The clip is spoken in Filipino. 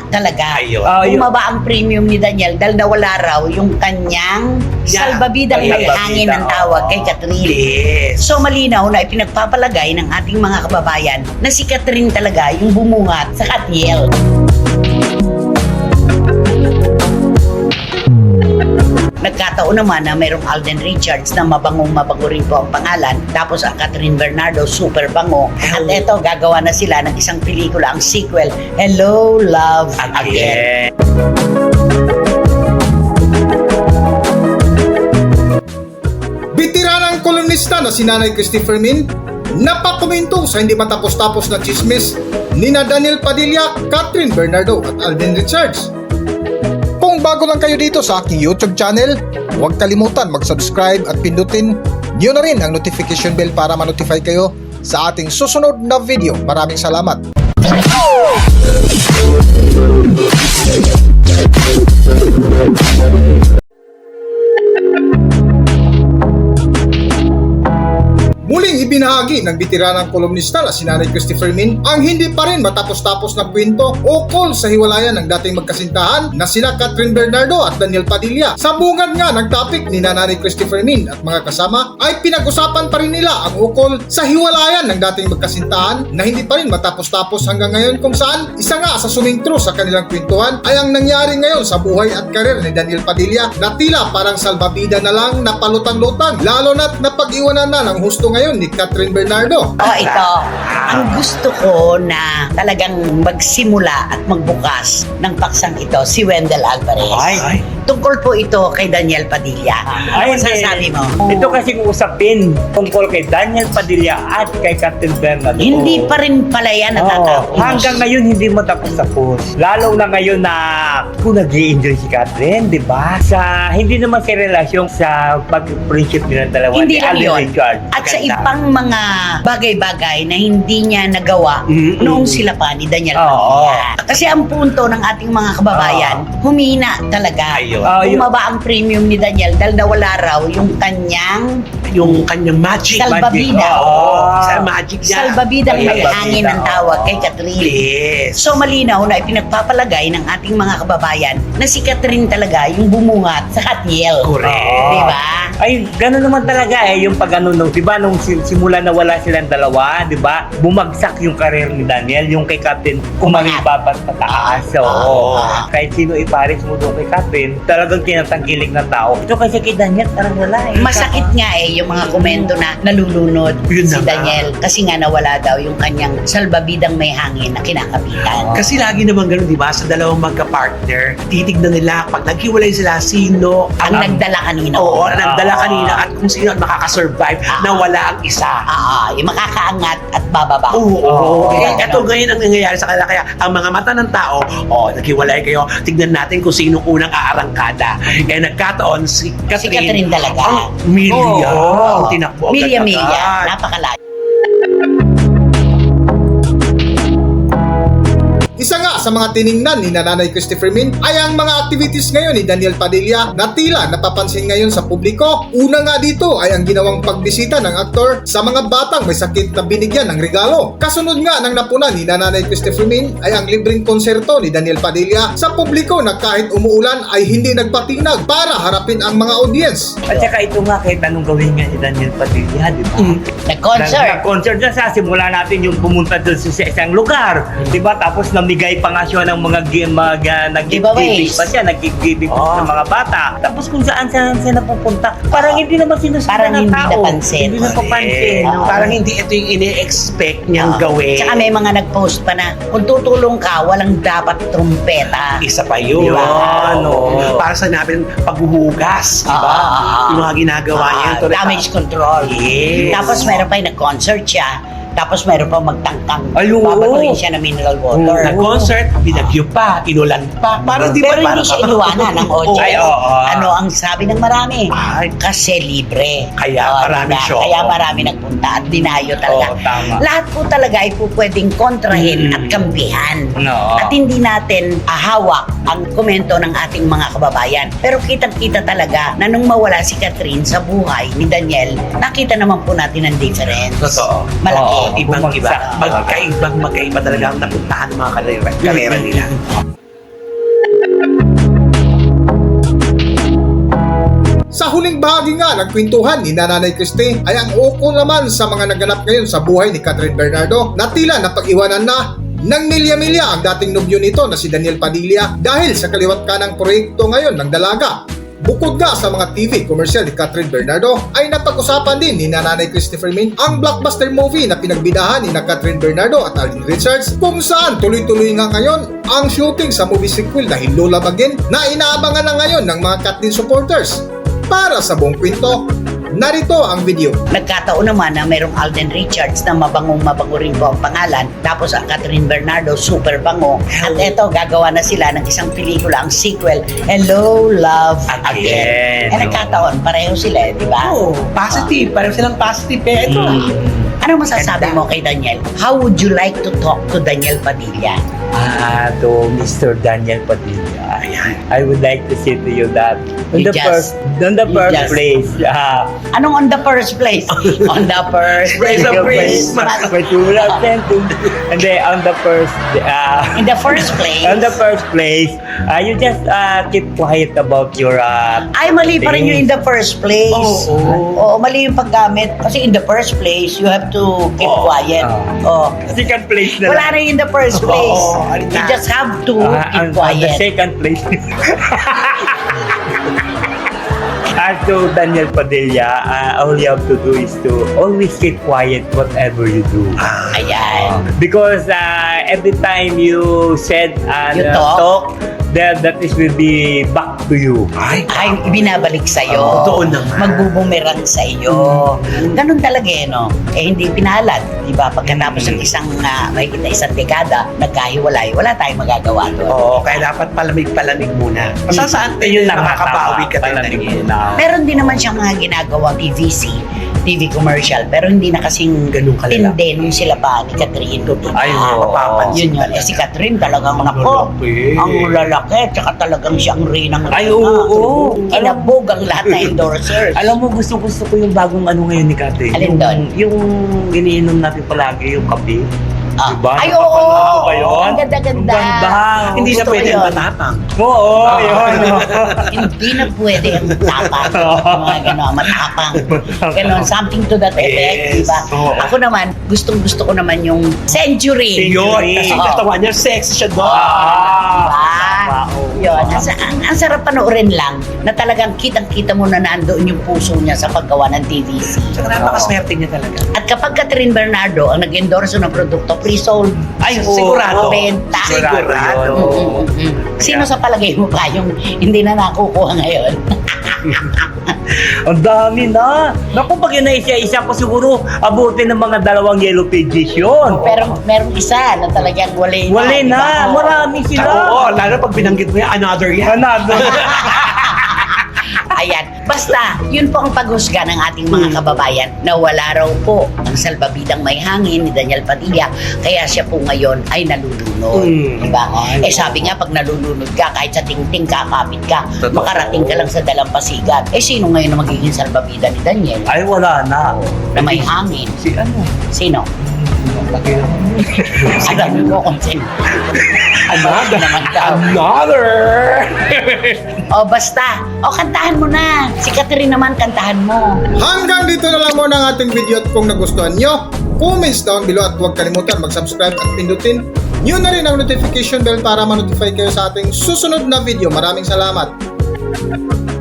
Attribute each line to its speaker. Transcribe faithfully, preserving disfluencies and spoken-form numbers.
Speaker 1: talaga.
Speaker 2: Ayun.
Speaker 3: Ah, yun.
Speaker 1: Bumaba ang premium ni Daniel dahil nawala raw yung kanyang
Speaker 2: Yeah.
Speaker 1: salbabidang may
Speaker 3: Salbabida,
Speaker 1: hangin ang tawag kay Catherine.
Speaker 2: Yes.
Speaker 1: So malinaw na ipinagpapalagay ng ating mga kababayan na si Catherine talaga yung bumungat sa Katiel. Nagkataon naman na mayroong Alden Richards na mabangong mabango rin po ang pangalan. Tapos ang Catherine Bernardo, super bango. At eto, gagawa na sila ng isang pelikula, ang sequel, Hello, Love Again.
Speaker 2: Again.
Speaker 4: Bitiranang kolumnista na si Nanay Christopher Min napakomento sa hindi matapos-tapos na chismis ni na Daniel Padilla, Catherine Bernardo at Alden Richards. Kung bago lang kayo dito sa aking YouTube channel, huwag kalimutan mag-subscribe at pindutin niyo na rin ang notification bell para ma-notify kayo sa ating susunod na video. Maraming salamat! Muling ibinahagi ng bitiranang kolumnista na si Nanay Christopher Min ang hindi pa rin matapos-tapos na kwento ukol sa hiwalayan ng dating magkasintahan na sina Catherine Bernardo at Daniel Padilla. Sa bungad nga ng topic ni Nanay Christopher Min at mga kasama ay pinag-usapan pa rin nila ang ukol sa hiwalayan ng dating magkasintahan na hindi pa rin matapos-tapos hanggang ngayon, kung saan isa nga sa sumintro sa kanilang kwentuhan ay ang nangyari ngayon sa buhay at karir ni Daniel Padilla na tila parang salbabida na lang na palutang-lutang, lalo na't napag-iwanan na ng husto ngayon ni Catherine Bernardo.
Speaker 1: Oh, ito. Ang gusto ko na talagang magsimula at magbukas ng paksang ito, si Wendell Alvarez.
Speaker 2: Ay.
Speaker 1: Tungkol po ito kay Daniel Padilla.
Speaker 3: Ay,
Speaker 1: Ano sasabi mo?
Speaker 3: Ito kasing usapin tungkol kay Daniel Padilla at kay Catherine Bernardo.
Speaker 1: Hindi pa rin pala yan
Speaker 3: Oo.
Speaker 1: natatapos.
Speaker 3: Hanggang ngayon hindi mo tapos-tapos. Lalo na ngayon na kung nag-i-enjoy si Catherine, di ba? Sa, hindi naman sa relasyon sa pag-friendship nilang dalawa.
Speaker 1: Hindi
Speaker 3: ni
Speaker 1: lang
Speaker 3: Alden
Speaker 1: yun.
Speaker 3: Richards.
Speaker 1: At sa
Speaker 2: Maganda.
Speaker 1: ibang mga bagay-bagay na hindi niya nagawa
Speaker 2: Mm-mm.
Speaker 1: noong sila pa ni Daniel
Speaker 3: Oo.
Speaker 1: Padilla. Kasi ang punto ng ating mga kababayan, humina talaga.
Speaker 2: Ayun.
Speaker 3: Ah, yun.
Speaker 1: Bumaba ang premium ni Daniel dahil nawala raw yung kanyang
Speaker 2: Yung kanyang magic.
Speaker 1: salbabida.
Speaker 2: Oo. Sa magic niya.
Speaker 1: Salbabidang may
Speaker 3: Salbabida,
Speaker 1: hangin ang tawag kay Catherine.
Speaker 2: Yes.
Speaker 1: So malinaw na ipinagpapalagay ng ating mga kababayan na si Catherine talaga yung bumungat sa Katiel.
Speaker 2: Correct.
Speaker 3: Oo.
Speaker 1: Di ba?
Speaker 3: Ay, gano'n naman talaga eh, yung pag ano, nung, di ba, nung sim- simula na wala silang dalawa, di ba, bumagsak yung karir ni Daniel, yung kay Catherine, umangiba pa pataas. So,
Speaker 2: Oo.
Speaker 3: kahit sino ipares mo doon kay Catherine, talagang tinatangkilik ng tao. Ito kasi kay Daniel, parang wala eh.
Speaker 1: Masakit nga eh yung mga komento na nalulunod
Speaker 2: Yun
Speaker 1: si
Speaker 2: na nga.
Speaker 1: Daniel kasi nga nawala daw yung kanyang salbabidang may hangin na kinakapitan.
Speaker 2: Kasi lagi naman ganun, di ba? Sa dalawang magka-partner, titignan nila pag naghiwalay sila, sino
Speaker 1: Ang nagdala kanina.
Speaker 2: Oo, ang nagdala
Speaker 3: Ah.
Speaker 2: kanina at kung sino ang makakasurvive na wala ang isa.
Speaker 1: Ah, yung makakaangat at bababa.
Speaker 2: Oo.
Speaker 3: Oo.
Speaker 2: Eh, ito ngayon ang nangyayari sa kanila. Kaya ang mga mata ng tao, oh, naghiwalay kayo, tignan natin kung sino unang aarangkada. Eh, nagkataon si
Speaker 1: Si
Speaker 2: Catherine.
Speaker 1: Catherine talaga.
Speaker 2: Ang milya.
Speaker 1: Oo.
Speaker 2: Ang tinakbo.
Speaker 1: Milya,
Speaker 2: agad-agad.
Speaker 1: milya. Napakalayo.
Speaker 4: Isa nga sa mga tiningnan ni Nanay Christopher Min ay ang mga activities ngayon ni Daniel Padilla na tila napapansin ngayon sa publiko. Una nga dito ay ang ginawang pagbisita ng aktor sa mga batang may sakit na binigyan ng regalo. Kasunod nga ng napuna ni Nanay Christopher Min ay ang libreng konserto ni Daniel Padilla sa publiko na kahit umuulan ay hindi nagpatinag para harapin ang mga audience.
Speaker 3: At saka ito nga, kahit anong gawin nga ni Daniel Padilla, di ba?
Speaker 2: Mm.
Speaker 1: Nag-concert.
Speaker 3: Nag-concert na sa simula natin yung pumunta doon sa isang lugar. Di ba? Tapos namigay pa nga siya ng mga, gi- mga nag-giving
Speaker 1: Giveaways.
Speaker 3: pa siya, nag-giving
Speaker 2: Oh.
Speaker 3: sa mga bata. Tapos kung saan saan siya napupunta, parang hindi naman sinusundan
Speaker 1: Parang
Speaker 3: ng
Speaker 1: hindi
Speaker 3: tao.
Speaker 1: napansin.
Speaker 3: Hindi napapansin.
Speaker 2: Eh,
Speaker 3: no?
Speaker 2: parang hindi ito yung ini-expect niyang
Speaker 1: Ah.
Speaker 2: gawin.
Speaker 1: Tsaka may mga nag-post pa na kung tutulong ka, walang dapat trumpeta.
Speaker 2: Isa pa yun.
Speaker 3: Yun,
Speaker 2: Ano,
Speaker 3: oo.
Speaker 2: para sa namin paghuhugas, di ba?
Speaker 1: Ah.
Speaker 2: Yung mga ginagawa niya.
Speaker 1: Ah,
Speaker 2: Ito rin-
Speaker 1: damage control.
Speaker 2: Yes.
Speaker 1: Tapos meron pa yung nag-concert siya. Tapos meron pa magtangtang.
Speaker 3: Ayun.
Speaker 1: Babatuin siya ng mineral water.
Speaker 2: Nag-concert, binagyo pa, inulan pa. Parang di ba?
Speaker 1: Pero hindi
Speaker 2: parang-
Speaker 1: siya inuwanan ng audience.
Speaker 3: Ay, oo.
Speaker 1: Ano ang sabi ng marami?
Speaker 2: Ay.
Speaker 1: Kasi libre.
Speaker 2: Kaya
Speaker 1: Oh,
Speaker 2: marami
Speaker 1: diba?
Speaker 2: show.
Speaker 1: Kaya marami nagpunta at dinayo talaga.
Speaker 3: Oo, tama.
Speaker 1: Lahat po talaga ay po pwedeng kontrahin
Speaker 2: Mm.
Speaker 1: at kampihan.
Speaker 3: No.
Speaker 1: At hindi natin ahawak ang komento ng ating mga kababayan. Pero kitang-kita talaga na nung mawala si Catherine sa buhay ni Daniel, nakita naman po natin ang difference.
Speaker 2: Totoo.
Speaker 1: Malaki.
Speaker 3: Oo.
Speaker 2: Ibang iba.
Speaker 3: Bumagsak.
Speaker 2: Magkaibang magkaiba talaga ang napuntahan ng mga karera, karera nila.
Speaker 4: Sa huling bahagi nga ng kwentuhan ni Nanay Christie ay ang ukol naman sa mga naganap ngayon sa buhay ni Catherine Bernardo na tila napag-iwanan na ng milya-milya ang dating nobyo nito na si Daniel Padilla dahil sa kaliwat kanang proyekto ngayon ng dalaga. Bukod nga sa mga T V commercial ni Catherine Bernardo ay napag-usapan din ni Nanay Christopher Min ang blockbuster movie na pinagbidahan ni na Catherine Bernardo at Alden Richards kung saan tuloy-tuloy nga ngayon ang shooting sa movie sequel na Hinlola Bagin na inaabangan na ngayon ng mga Kathleen supporters. Para sa buong kwento, narito ang video.
Speaker 1: Nagkataon naman na mayroong Alden Richards na mabangong mabango rin po ang pangalan. Tapos ang Catherine Bernardo, super bango. At eto, gagawa na sila ng isang pelikula, ang sequel, Hello, Love
Speaker 3: Again.
Speaker 1: Again. Eh, nagkataon, pareho sila, eh, di ba?
Speaker 2: Oh, positive. Parang silang positive. Eh, ito ah.
Speaker 1: Ano masasabi mo kay Daniel? How would you like to talk to Daniel Padilla?
Speaker 3: Ah, to Mister Daniel Padilla. I would like to say to you that on
Speaker 1: You
Speaker 3: the
Speaker 1: just-
Speaker 3: first, on the
Speaker 1: you
Speaker 3: first
Speaker 1: just-
Speaker 3: place, ah,
Speaker 1: Anong on the first place? On the first
Speaker 2: Praise the praise.
Speaker 3: But you will have to, and then on the first, uh,
Speaker 1: In the first place?
Speaker 3: on the first place, uh, you just uh, keep quiet about your uh,
Speaker 1: Ay, mali pa rin yung in the first place.
Speaker 2: Oo.
Speaker 1: Oo, mali yung paggamit. Kasi in the first place, you have to keep
Speaker 2: Oo.
Speaker 1: quiet.
Speaker 3: Oo.
Speaker 1: Oh.
Speaker 3: second place na
Speaker 1: Wala na in the first place.
Speaker 2: Oo, alin
Speaker 1: You
Speaker 2: na.
Speaker 1: just have to
Speaker 3: Uh,
Speaker 1: keep
Speaker 3: on, on the
Speaker 1: quiet.
Speaker 3: second place. As to Daniel Padilla, uh, all you have to do is to always keep quiet whatever you do.
Speaker 1: Ayan.
Speaker 3: Because uh, every time you said uh,
Speaker 1: You
Speaker 3: uh,
Speaker 1: talk?
Speaker 3: that, that is will be back to you.
Speaker 2: Ay,
Speaker 1: Ay, binabalik sa'yo.
Speaker 2: Oo, totoo naman.
Speaker 1: Magbubumerang sa'yo. Ganun talaga eh, no? Eh, hindi pinalad. Di ba? Pagkatapos ng isang, uh, mahigit na isang dekada, nagkahiwalay, wala tayong magagawa doon.
Speaker 2: Oo, kaya dapat palamig-palamig muna. Sa saan tayo
Speaker 3: Yun na nga,
Speaker 2: makakabawi ka
Speaker 3: tama.
Speaker 2: talaga.
Speaker 3: Palamigin na.
Speaker 1: Meron din naman siyang mga ginagawang T V C, T V commercial, pero hindi na kasing
Speaker 2: Ganun kalala.
Speaker 1: tindi nung sila pa ni Catherine.
Speaker 3: Ay, oo.
Speaker 2: mapapansin.
Speaker 1: Yun yun. Eh si Catherine talagang nako.
Speaker 2: lalaki.
Speaker 1: Ang lalaki, tsaka talagang siyang rinang
Speaker 3: Ay, oo, oo.
Speaker 1: Kinabog ang lahat na endorsers.
Speaker 3: Alam mo, gusto-gusto ko yung bagong ano ngayon ni Kate.
Speaker 1: Alin
Speaker 3: yung,
Speaker 1: doon?
Speaker 3: Yung iniinom natin palagi, yung kape.
Speaker 1: Ah.
Speaker 3: Diba?
Speaker 1: Ay,
Speaker 3: Napapanood
Speaker 1: oo.
Speaker 3: mo ba yun?
Speaker 1: Ang ganda-ganda.
Speaker 3: Ang ganda.
Speaker 2: Hindi na
Speaker 1: Gusto ko
Speaker 2: pwede
Speaker 1: yun.
Speaker 2: matapang.
Speaker 3: Oo,
Speaker 2: Ah.
Speaker 3: yun.
Speaker 1: Hindi na pwede ang tapang. Mga gano'n, matapang. Ganon, something to that effect,
Speaker 2: Yes.
Speaker 1: di ba?
Speaker 3: Oo.
Speaker 1: Ako naman, gustong gusto ko naman yung Century.
Speaker 2: Yun, kasi
Speaker 1: Oo.
Speaker 2: katawan niya, sexy siya doon.
Speaker 1: Diba? Yun, ang, sa- ang, ang sarap panoorin lang na talagang kitang-kita mo na nandoon yung puso niya sa paggawa ng T V C.
Speaker 2: Tsaka napakaswerte niya talaga.
Speaker 1: At kapag Catherine Bernardo ang nag-endorse ng produkto, pre-sold.
Speaker 2: Ay,
Speaker 3: Oo.
Speaker 2: sigurado.
Speaker 1: Benta.
Speaker 2: Sigurado.
Speaker 3: Sigurado.
Speaker 1: Mm, mm, mm. Sino sa palagay mo pa yung hindi na nakukuha ngayon?
Speaker 3: Ang dami na. Naku, pag yun na isa-isa ko siguro, abutin ng mga dalawang yellow pages yun.
Speaker 1: Pero merong isa na talagang wali na.
Speaker 3: Wali
Speaker 1: di ba?
Speaker 3: na. Marami
Speaker 2: Oo,
Speaker 3: sila.
Speaker 2: lalo pag binanggit mo yan, another yan.
Speaker 3: Another.
Speaker 1: Ayan. Basta, yun po ang paghusga ng ating mga kababayan na wala raw po ang salbabidang may hangin ni Daniel Padilla. Kaya siya po ngayon ay nalulunod.
Speaker 2: Mm.
Speaker 1: Diba?
Speaker 2: Ay,
Speaker 1: Eh sabi nga, pag nalulunod ka, kahit sa tingting ka, kapit ka,
Speaker 2: Totoo.
Speaker 1: makarating ka lang sa dalampasigan. Eh sino ngayon na magiging salbabida ni Daniel?
Speaker 3: Ay, wala na.
Speaker 1: Na may hangin.
Speaker 3: Si ano?
Speaker 1: Sino?
Speaker 3: Laki naman.
Speaker 1: Alam mo kung sino. Ano naman daw.
Speaker 2: Another!
Speaker 1: O basta, o kantahan mo na. Si Catherine naman, kantahan mo.
Speaker 4: Hanggang dito na lang muna ang ating video at kung nagustuhan nyo, comments down below at huwag kalimutan mag-subscribe at pindutin nyo na rin ang notification bell para ma-notify kayo sa ating susunod na video. Maraming salamat!